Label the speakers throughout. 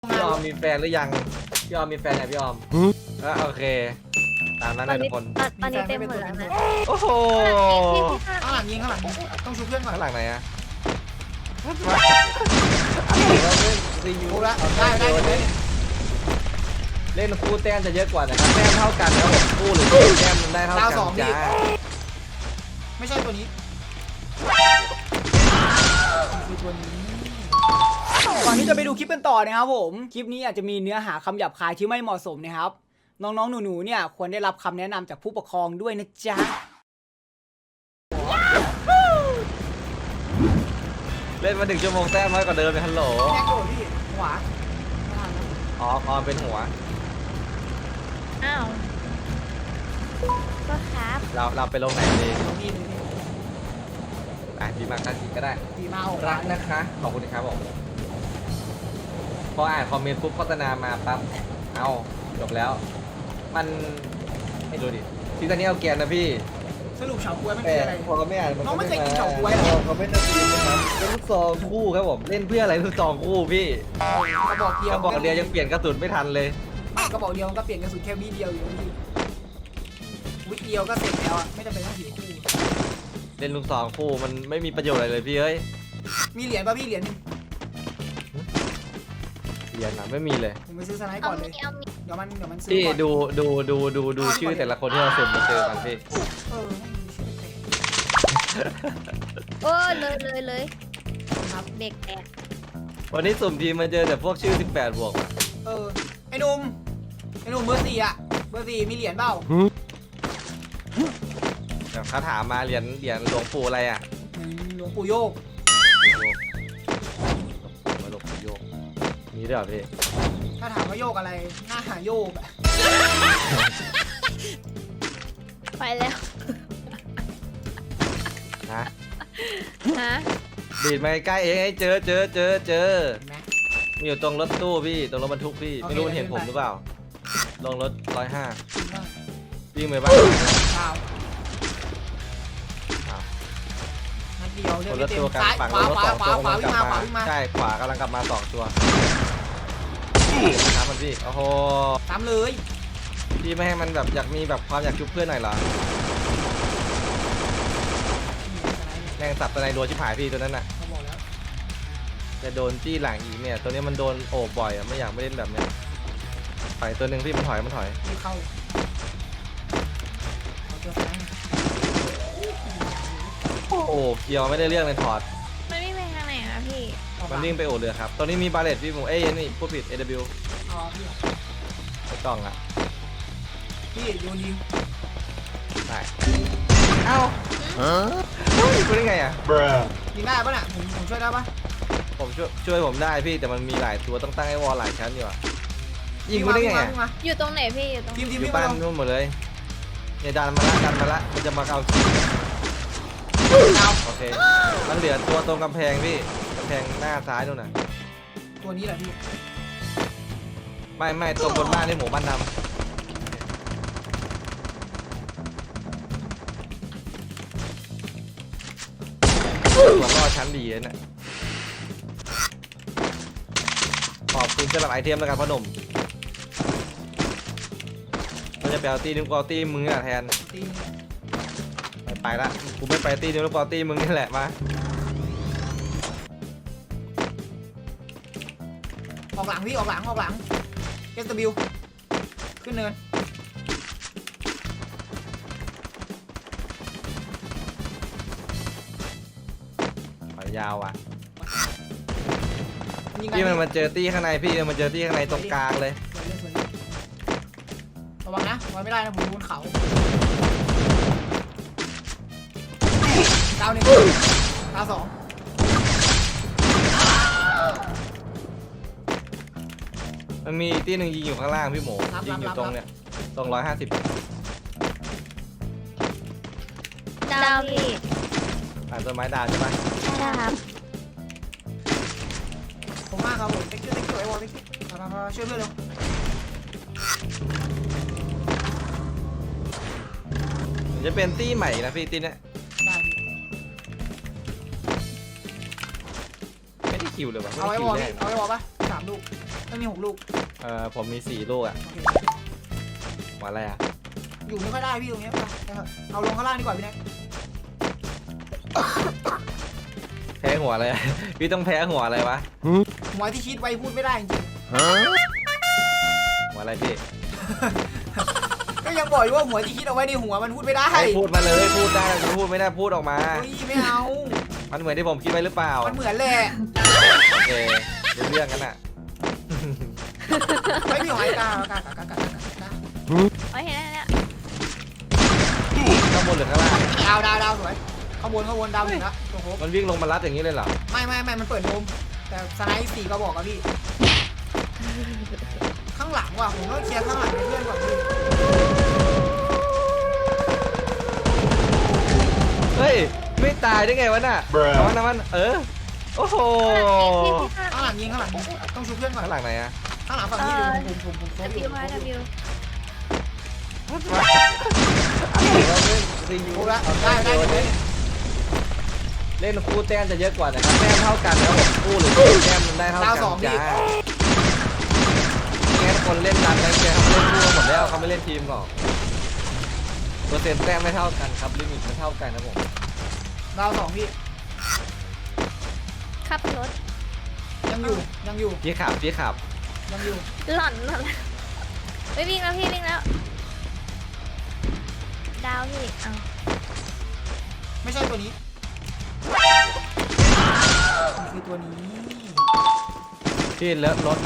Speaker 1: พี่ออมมีแฟนหรือยังพี่ออมมีแฟนยังพี่ออมโอเคตามนั้นนะทุกคน
Speaker 2: ตอนนี้เต็มหมดแล้วนะ
Speaker 1: โอ้โห
Speaker 3: ข้างหลังยิงข้างหลังต้องชูเพื่อนก่อน
Speaker 1: ข้างหลังไหนอะรีวิว
Speaker 3: รู้ละได้
Speaker 1: เล่นคู่แต้มจะเยอะกว่านะครับแต้มเท่ากันนะผมคู่หรือแต้มมันได้เท่ากันจ้า
Speaker 3: ไม่ใช่ตัวนี้คือตัวนี้ก่อนที่จะไปดูคลิปกันต่อนะครับผมคลิปนี้อาจจะมีเนื้อหาคำหยาบคายที่ไม่เหมาะสมนะครับน้องๆหนูๆเนี่ยควรได้รับคำแนะนำจากผู้ปกครองด้วยนะจ๊ะ
Speaker 1: เล่นมา1 ชั่วโมงแต้มน้อยกว่าเดิมเลยฮัลโหล
Speaker 3: แม่โกรธพี่ขวา
Speaker 1: อ๋อออมเป็นหัว
Speaker 2: อ้าวก็ครับ
Speaker 1: เราไปลงไหนดี
Speaker 3: นี่
Speaker 1: ดีมากกันก็ได้
Speaker 3: ดีมาเอา
Speaker 1: รักนะคะขอบคุณครับผมพออ่านคอมเมนต์ปุ๊บโฆษณามาปั๊บเอาจบแล้ว มันไม่รู้ดิซีซั่นนี้เอาเกียร์นะพี่
Speaker 3: สรุปเฉาก๊วยมัน
Speaker 1: แต่
Speaker 3: คืออะไร
Speaker 1: พอไม่อ่าน
Speaker 3: น้องไม่เคยกินเฉาก๊วยเหรอ
Speaker 1: เขาไม่ได้กินนะครับเป็นลูกซองคู่ครับผมเล่นเพื่ออะไรลูกซองคู่พี่
Speaker 3: กระบอกเดียว
Speaker 1: กระบอกเดียวยังเปลี่ยนกระสุนไม่ทันเลย
Speaker 3: กระบอกเดียวมันก็เปลี่ยนกระสุนแค่วิเดียวอยู่นี่วิเดียวก็เสร็จแล้วอ่ะไม่จำเป็นต้องถือคู่
Speaker 1: เล่นลูกซองคู่มันไม่มีประโยชน์อะไรเลยพี่เอ้ย
Speaker 3: มีเหรียญป่ะพี่เหรียญนึง
Speaker 1: เรียนนะไม่มีเลย
Speaker 3: ผมไปซื้อสไนป์
Speaker 2: เอา
Speaker 3: ก่อนเล
Speaker 2: มี
Speaker 3: ย
Speaker 2: เอามี
Speaker 3: เดี๋ยวมันซื้อ
Speaker 1: พี่
Speaker 3: ก่อน
Speaker 1: ดูชื่อแต่ละคนที่เราสุ่มมาเจอกันพี่
Speaker 3: เออไม่มีชื่อแปลก
Speaker 2: โอ้เลย
Speaker 3: ครับ
Speaker 2: เด็กแตก
Speaker 1: วันนี้สุ่มทีมมาเจอแต่พวกชื่อ18 บวกอะ
Speaker 3: ไอ้หนุ่มเบอร์ 4อ่ะเบอร์ 4มีเหรียญเปล่า
Speaker 1: แบบเขาถามมาเหรียญหลวงปู่อะไรอ่ะ
Speaker 3: หลวงปู่โยก
Speaker 1: หลวงปู่โยกมีด้วยเหรอพี่
Speaker 3: ถ้าถามว่าโยกอะไรหน้าหาโยกอะ
Speaker 2: ไปแล้ว
Speaker 1: ฮะ
Speaker 2: ฮะ
Speaker 1: ดีดมาใกล้ๆเองให้เจอ
Speaker 3: เห็นไหม
Speaker 1: มีอยู่ตรงรถตู้พี่ตรงรถบรรทุกพี่
Speaker 3: โอเค
Speaker 1: ไม่รู้มันเห็น
Speaker 3: เดิน
Speaker 1: ผม
Speaker 3: ไป
Speaker 1: หรือเปล่าลงรถ105
Speaker 3: จริงป่ะ
Speaker 1: วิ่งไปบ้าน
Speaker 3: เปล่า
Speaker 1: อ้าว
Speaker 3: นัดเดียวเลื
Speaker 1: ค
Speaker 3: อก
Speaker 1: น
Speaker 3: ไม่
Speaker 1: ละ
Speaker 3: เต็
Speaker 1: ตัว
Speaker 3: ม
Speaker 1: กัน
Speaker 3: ซ้าย
Speaker 1: ฝั่ง
Speaker 3: ขวาร
Speaker 1: ถ
Speaker 3: ขวา
Speaker 1: 2
Speaker 3: ขวา
Speaker 1: ตัว
Speaker 3: ขวาก
Speaker 1: ำลังกลับ
Speaker 3: วิ่งมา
Speaker 1: ใช่ขวากำลังกลับมา2 ตัวครับมันพี่โอ้โห
Speaker 3: ตามเลย
Speaker 1: พี่ไม่ให้มันแบบอยากมีแบบความอยากชุบเพื่อนหน่อยเหรอแรงสับตัวในรัวชิบหายพี่ตัวนั้นน่ะ
Speaker 3: เขาบอกแล้ว
Speaker 1: จะโดนจี้หลังอีกเนี่ย ตัวนี้มันโดนโอบบ่อยอ่ะไม่อยากไม่เล่นแบบเนี้ยถอยตัวหนึ่งพี่มันถอย
Speaker 3: รีบเข้าเอาตัวซ้ายมา
Speaker 1: โอ้โหเกียวไม่ได้เรื่องเลยถอด
Speaker 2: มันวิ่งไปทางไหนอะพี่
Speaker 3: เอา
Speaker 1: มันวิ่งไปโอเรือครับ ตอนนี้มีบาเลตพี่หมูนี่พูดผิด AW
Speaker 3: เอาพี่
Speaker 1: ไม่ต้องอ่ะ
Speaker 3: พี่โยนยิง
Speaker 1: ได้เอ้าคุณได้ไงอ่ะ
Speaker 3: ยิงได้ปะน่ะผมช่วยได้ปะ
Speaker 1: ผมช่วยผมได้พี่แต่มันมีหลายตัวต้องตั้งให้วอลหลายชั้นอยู่อ่ะยิงคุณได้ไงอ่ะ
Speaker 3: วิ่มา
Speaker 2: อยู่ตรงไหนพี่อยู่ตรง
Speaker 3: ทีม
Speaker 1: อยู่
Speaker 3: วิ่ง
Speaker 1: บ้าน
Speaker 3: มา
Speaker 1: นู่นหมดเลยเนี่ยดันมาละมันจะมาเอา
Speaker 3: เอา
Speaker 1: โอเคมันเหลือตัวตรงกำแพงพี่กำแพงหน้าซ้ายนู่นน่ะ
Speaker 3: ตัวนี้แหละพี่
Speaker 1: ไม่ตรงบนบ้านนี่หมูบ้านดำตัวรอดชั้นดีเลยน่ะขอบคุณสำหรับไอเทมแล้วกันพ่อหนุ่มเราจะไปเอาตีนึงกว่าตีมึงอ่ะแทน
Speaker 3: ตี
Speaker 1: ไปละกูไม่ไปตีนึงแล้วกว่าตีมึงนี่แหละมา
Speaker 3: ออกหลังพี่ออกหลังSW ขึ้นเนิน
Speaker 1: ถอยยาวอ่ะ
Speaker 3: ยิง
Speaker 1: พี่มันมาเจอตีข้างในพี่มันเจอตีข้างในตรงกลางเลย
Speaker 3: ระวังนะไว้ไม่ได้นะผมบนเขาดาวหนึ่งดาวสอง
Speaker 1: มันมีตีหนึ่งยิงอยู่ข้างล่างพี่หมูยิงอยู่ตรงเนี่ยตรง150
Speaker 2: ดาวพี่
Speaker 1: ผ่านต้นไม้ดาวใช่ไหม
Speaker 2: ใช่ครับ
Speaker 3: ผมมากครับผมเต็กเกอร์ไอ้วอลเต็กมาช่วยเพื่อนเร็ว
Speaker 1: จะเป็นตีใหม่นะพี่ตีเนี่ย
Speaker 3: ได้พี่
Speaker 1: ไม่ได้คิวเลยวะไม่
Speaker 3: เอา
Speaker 1: ได้
Speaker 3: ไอ้
Speaker 1: คิ
Speaker 3: ว
Speaker 1: ว
Speaker 3: อล
Speaker 1: แน่
Speaker 3: พี่เอาไอ้วอลปะจับ 3 ลูกไม่มี 6 ลูก
Speaker 1: ผมมี4 ลูกอ่ะ
Speaker 3: โอเค
Speaker 1: หัวอะไรอ่ะ
Speaker 3: อยู่ไม่ค่อยได้พี่ตรงเนี้ยไปนะครับเอาลงข้างล่างดีกว่าพี่แน็ก
Speaker 1: แพ้หัวอะไร พี่ต้องแพ้หัวอะไรวะ
Speaker 3: หัวที่คิดไว้พูดไม่ได้จริง
Speaker 1: หัวอะไรพี่
Speaker 3: ๆก็ยังบอกอยู่ว่าหัวที่คิดเอาไว้ในหัวมันพูดไม่ได้
Speaker 1: ให้พูดมาเลยพูดได้พูดไม่ได้พูดออกมา
Speaker 3: เฮ้ยไม่เอา
Speaker 1: มันเหมือนที่ผมคิดไว้หรือเปล่า
Speaker 3: มันเหมือนแหละ
Speaker 1: โอเครู้เรื่องกันอ่ะ
Speaker 3: ไม่มีหอยกา
Speaker 2: โอ้ยเห็นแล้วเนี่ย
Speaker 1: ข้างบนหรือข้างล่าง
Speaker 3: ดาวสวยข้างบนดาวหนึ่งละโอ้โห
Speaker 1: มันวิ่งลงมารัดอย่างนี้เลยเหรอ
Speaker 3: ไม่มันเปิดโดมแต่สไนป์4กระบอกอะพี่ข้างหลังว่ะผมต้องเคลียร์ข้างหลังให้เพื่อนก่อนพี่
Speaker 1: เฮ้ยไม่ตายได้ไงวะน่ะน้ำมันโอ้โห
Speaker 3: ข้างหลังยิงต้องชูเพื่อนก่อน
Speaker 1: ข้างหลังไหนอะ
Speaker 3: ข้างหลังฝั่งนี้ดูผมโซ
Speaker 2: ดั
Speaker 3: ฟอยู่
Speaker 2: วิวมาดัวิว
Speaker 3: โอ้ละได้เลย
Speaker 1: เล่นคู่แต้มจะเยอะกว่านะครับแต้มเท่ากันนะครับผมคู่หรือแต้มมันได้เท่ากันจ้างั้นคนเล่นดันแล้วแกเขาเล่นคู่หมดแล้วเขาไม่เล่นทีมหรอกเปอร์เซ็นต์แต้มไม่เท่ากันครับลิมิตไม่เท่ากันนะผม
Speaker 3: ดาว2พี่
Speaker 2: ขับรถ
Speaker 3: ยังอยู่
Speaker 1: พี่ขับ
Speaker 3: ยังอยู่
Speaker 2: หล่อนไม่วิ่งแล้วพี่วิ่งแล้ว ดาวพี่เอา
Speaker 3: ไม่ใช่ตัวนี้มันคือตัวนี้
Speaker 1: พี่เลิฟรถ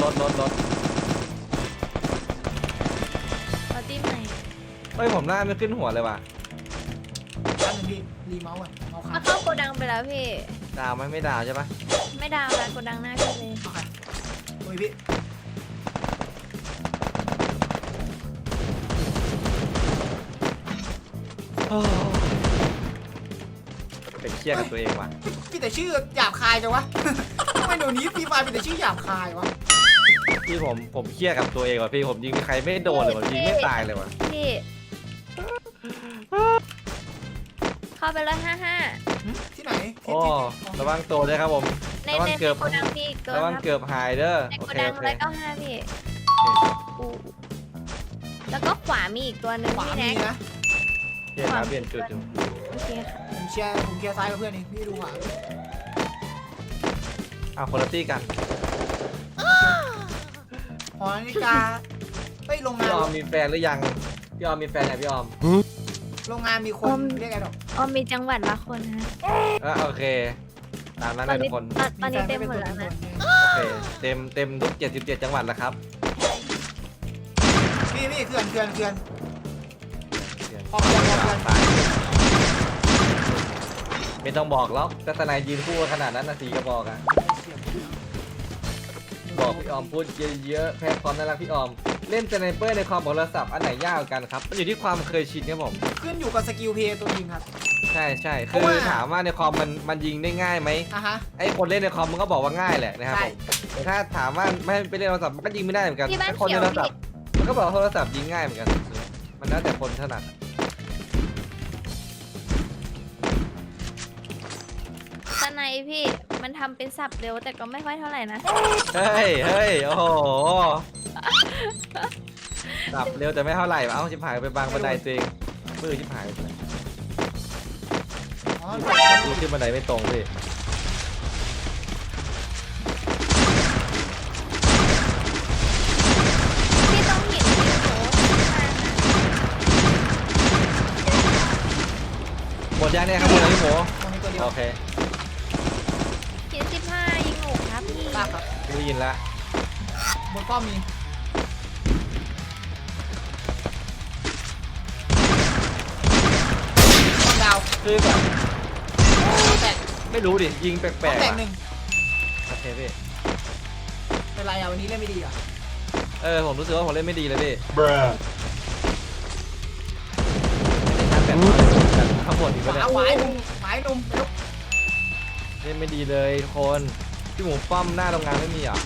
Speaker 2: เอาตีใหม่
Speaker 1: เฮ้ยผมหน้าไม่ขึ้นหัวเลยว่ะ
Speaker 3: ด้านหนึ่งพี่รีเมาส์อ่ะเมาส์
Speaker 2: มา
Speaker 3: ขาด
Speaker 2: เข้าโกดังไปแล้วพี่
Speaker 1: ดาวไหมไม่ดาวใช่ปะ
Speaker 2: ไม่ดาวแล้วโกดังหน้าพี่เลย
Speaker 3: โอเคตัวนี้พี่
Speaker 1: เป็นเครียดกับตัวเองว่ะ
Speaker 3: พี่แต่ชื่อหยาบคายจังวะ ทำไมเดี๋ยวนี้พี่มาเป็นแต่ชื่อหยาบคายวะ
Speaker 1: พี่ผมเครียดกับตัวเองว่ะพี่ผมยิงใครไม่โดนเลยว่ะยิงไม่ตายเลยว่ะ
Speaker 2: พี่เข้าไปเลย55
Speaker 3: ที่ไหน
Speaker 1: โอ้ระวังตัวด้วยครับผม
Speaker 2: ใน
Speaker 1: ระวังเกือบ
Speaker 2: โกดังพี่เกิน
Speaker 1: ระวัง
Speaker 2: ครับ
Speaker 1: เกือบหายเด้อ
Speaker 2: ใน
Speaker 1: โอ
Speaker 2: โก
Speaker 1: เค
Speaker 2: ดัง
Speaker 1: โอเค
Speaker 2: 195พี่อู้แล้วก็ขวามีอีกตัวหนึ่ง
Speaker 3: ขวา
Speaker 2: พี่
Speaker 3: มี
Speaker 2: แน็ก
Speaker 3: นะ
Speaker 1: เปลี่ยนมาเปลี่ยนจุดอยู่
Speaker 2: โอเคค่ะ
Speaker 3: ผมเคลียร์ซ้ายกับเพื่อนเองพี่ดูขวา
Speaker 1: อ้าวคนละตี้กัน
Speaker 3: หอนาฬิกาเฮ้ยโรงงา
Speaker 1: พี่
Speaker 3: น
Speaker 1: ออมมีแฟนหรือยังพี่ออมมีแฟนไหนพี่ออม
Speaker 3: โรงงานมีคนเรียกไงดอก
Speaker 2: อ๋อมีจังหวัดละคนนะ
Speaker 1: โอเคตามนั้น
Speaker 2: ตอ
Speaker 1: นะ
Speaker 2: น
Speaker 1: ทุ
Speaker 2: นี้
Speaker 1: กคน
Speaker 2: ตอนนี้เต็มหมดแล้วนะ
Speaker 1: โอเคเต็มทุก77จังหวัดแล้วครับ
Speaker 3: พี่เขื่อน
Speaker 1: เปลี่ยน
Speaker 3: พอเขื่อน
Speaker 1: ตายไม่ต้องบอกแล้วก็ทนายยืนคู่ขนาดนั้นนะสีก็บอกอะบอกพี่ออมพูดเยอะๆแพ้ความน่ารักพี่ออมเล่นสไนเปอร์ในความโทรศัพท์อันไหนยากกว่ากันครับมันอยู่ที่ความเคยชินครับผม
Speaker 3: ขึ้นอยู่กับสกิลเพย์ตัวยิงครับ
Speaker 1: ใช่
Speaker 3: เพ
Speaker 1: คื
Speaker 3: ราะ
Speaker 1: อ
Speaker 3: ว่า
Speaker 1: ถามว่าในคอมมันยิงได้ง่ายไหม
Speaker 3: อ่ะฮะ
Speaker 1: ไอ้คนเล่นในคอมมันก็บอกว่าง่ายแหละนะครับ
Speaker 3: ใช่
Speaker 1: ผมแต่ถ้าถามว่าไม่ให้ไปเล่นโทรศัพท์มันก็ยิงไม่ได้เหมือนกัน
Speaker 2: ที่บ้าน
Speaker 1: ไอ้คน
Speaker 2: เขี
Speaker 1: เล่
Speaker 2: ย
Speaker 1: น
Speaker 2: ว
Speaker 1: โทรศัพ
Speaker 2: พี่
Speaker 1: ท์มันก็บอกว่าโทรศัพท์ยิงง่ายเหมือนกันมันแล้วแต่คนถนัด
Speaker 2: ตอนไหนพี่มันทำเป็นสับเร็วแต่ก็ไม่ค่อยเท่าไหร่นะ
Speaker 1: เฮ้ยโอ้โหสับเร็วแต่ไม่เท่าไหร่เอ้าชิบหายไปบางบันไดตัวเองมือชิบหายไป
Speaker 3: อ๋อ
Speaker 1: ดูขึ้นบันไดไม่ตรงพี่
Speaker 2: พี่ต้องหินพี่โห
Speaker 1: หมดยังเนี่ยครับหมดแล้วพี่หมู
Speaker 3: ตรงนี้ตัวเดียว
Speaker 1: โอเค
Speaker 2: หิน15ยิงหนูครับพี่
Speaker 3: ทราบครับ
Speaker 1: ได้ยินละ
Speaker 3: บนป้อมมีป้อมดาว
Speaker 1: คือแบบ
Speaker 3: แตก
Speaker 1: ไม่รู้ดิยิงแปล
Speaker 3: ป้อม
Speaker 1: ก
Speaker 3: แต
Speaker 1: ๆ
Speaker 3: ก
Speaker 1: อะ
Speaker 3: หนึ่ง
Speaker 1: โอเคพี่
Speaker 3: เป็นไรอ่ะวันนี้เล่นไม่ดีอ่ะ
Speaker 1: ผมรู้สึกว่าผมเล่นไม่ดีเลยพี่
Speaker 4: Bruh.
Speaker 1: ไม่ได้ชัดแบบข้างบนอีก
Speaker 3: ข
Speaker 1: แล้วเนี่
Speaker 3: วาย หวายหนุ่มหวายหนุ่มเร็ว
Speaker 1: เล่นไม่ดีเลยทุกคนพี่หมูป้อมหน้าโรงงานไม่มีเหรอ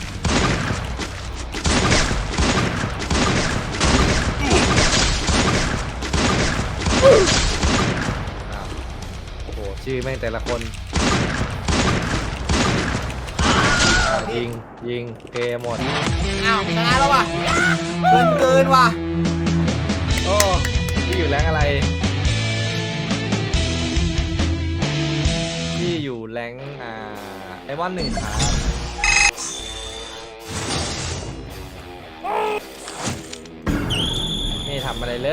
Speaker 1: อ้าวโอ้โหชื่อแม่งแต่ละคน
Speaker 3: พี่
Speaker 1: ยิงเกหมด
Speaker 3: อ้าวชนะแล้วว่ะเกินว่ะ
Speaker 1: โอ้พี่อยู่แรงอะไรพี่อยู่แรงไอมอน1ครับไม่ทำอะไรเลย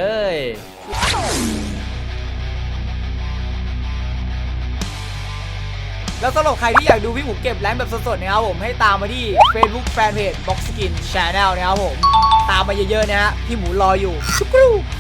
Speaker 3: แล้วสำหรับใครที่อยากดูพี่หมูเก็บแรงค์แบบสดๆนะครับผมให้ตามมาที่ Facebook Fanpage Box Skin Channel นะครับผมตามมาเยอะๆนะฮะพี่หมูรออยู่